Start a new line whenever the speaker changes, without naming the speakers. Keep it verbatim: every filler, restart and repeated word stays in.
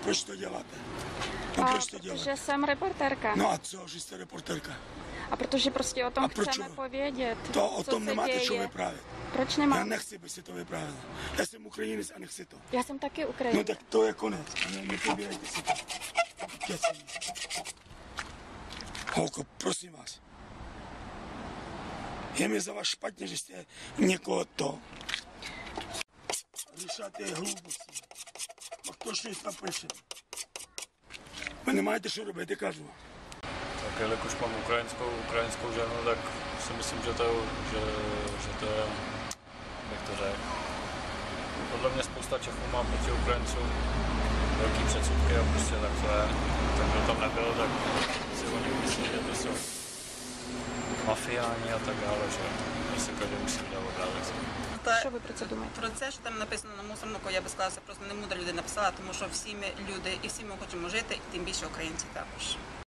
proč to děláte? No
A
proč to děláte?
protože jsem reportérka.
No a co, že jste reportérka?
A protože prostě o tom
A proč?
chceme povědět.
To o
co
tom
se
nemáte
děje.
čo vyprávět.
Proč
Já
nemám?
nechci, aby si to vyprávěl. Já jsem Ukrajinec a nechci to.
Já jsem taky
No
Ukrajinka.
tak to je konec. Ne, nepovídejte si to. Keci. Holko, prosím vás. Je mi za vás špatně, že jste někoho to. Říšáte hlouposti. A to šest napíše. Vy nemáte co robit, kažu.
Tak jelikož mám ukrajinskou, ukrajinskou ženu, tak si myslím, že to, že, že to je, jak to řekl. Podle mě spousta Čechů má proti Ukrajincům velký předsudky a prostě tak to je. Tak kdo tam nebyl, tak si oni myslí, že to jsou mafiáni a tak dále, že prostě každý musí vydat obrázek.
Що ви про це думаєте?
Про це, що там написано на мусорнику, я би сказала, це просто не мудра людина написала, тому що всі ми люди і всі ми хочемо жити, і тим більше українці також.